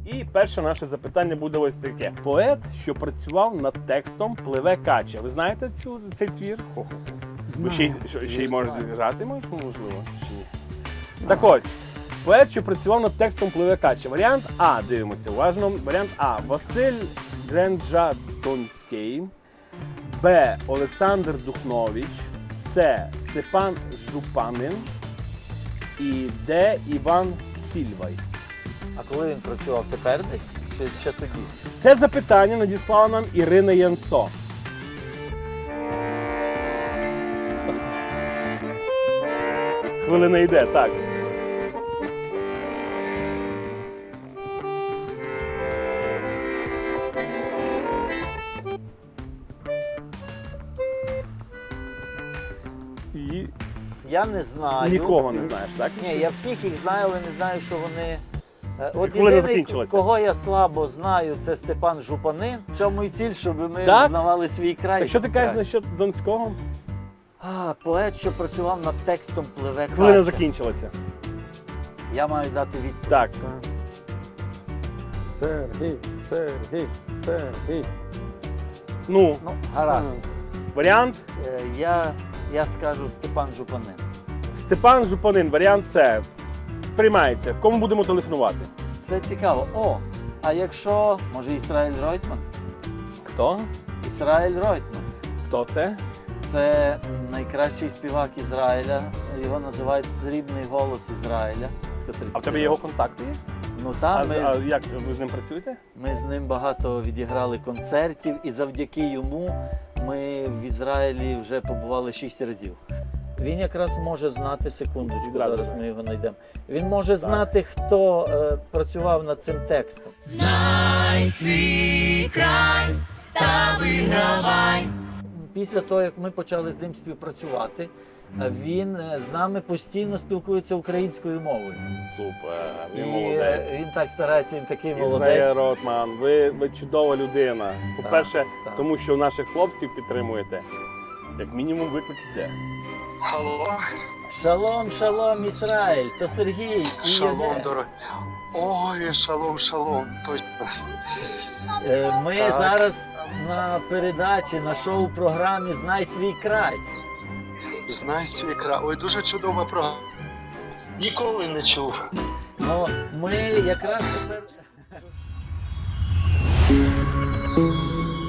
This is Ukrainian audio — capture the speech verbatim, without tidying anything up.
І перше наше запитання буде ось таке. Поет, що працював над текстом «Пливе кача». Ви знаєте цю, цей твір? Хо-хо-хо. Ви ще, й- що- ще й можеш зіграти, можеш, можливо, чи ні? Так ось. Поет, що працював над текстом «Пливе кача». Варіант А, дивимося уважно. Варіант А. Василь Гренджадонський. Б. Олександр Духнович. С. Степан Жупанин. І Д. Іван Сільвай. А коли він працював, тепер десь? Чи ще тоді? Це запитання надіслала нам Ірина Янцо. Хвилина йде, так. І Я не знаю. нікого не знаєш, так? Ні, я всіх їх знаю, але не знаю, що вони. Е, От Хвилина єдиний, закінчилася. кого я слабо знаю, це Степан Жупанин. В цьому і ціль, щоб ми Так? знавали свій край. Так що ти кажеш Краще. насчет Донського? А, поет, що працював над текстом «Пливе Хвилина кача». закінчилася. Я маю дати відповідь. Так. Сергій, Сергій, Сергій. Ну, Ну, гаразд. варіант Е, Я, я скажу Степан Жупанин. Степан Жупанин, варіант С. Приймається. Кому будемо телефонувати? Це цікаво. О, а якщо, може, Ісраїль Ройтман? Хто? Ісраїль Ройтман. Хто це? Це найкращий співак Ізраїля. Його називають «Срібний голос Ізраїля». А в тебе його контакти є? Ну А, там з- ми, а з- як ви з ним працюєте? ми з ним багато відіграли концертів, і завдяки йому ми в Ізраїлі вже побували шість разів. Він якраз може знати, секундочку, Відразу зараз знає. ми його знайдемо. Він може знати, хто е, працював над цим текстом. Знай свій край та вигравай. Після того, як ми почали з ним співпрацювати, е, він е, з нами постійно спілкується українською мовою. Супер, І він е, молодець. він так старається, він такий Ізмаїл молодець. Ротман, ви, ви чудова людина. По-перше, так. тому що наших хлопців підтримуєте. Як мінімум виклик йде. Алло, Шалом, шалом, Ізраїль, то Сергій і шалом, Євген. дорогой. Ой, шалом, шалом, точно. Е, Ми Так. зараз на передачі, на шоу-програмі «Знай свій край». Знай свій край. Ой, дуже чудова програма. Ніколи не чув. Ну, ми якраз тепер...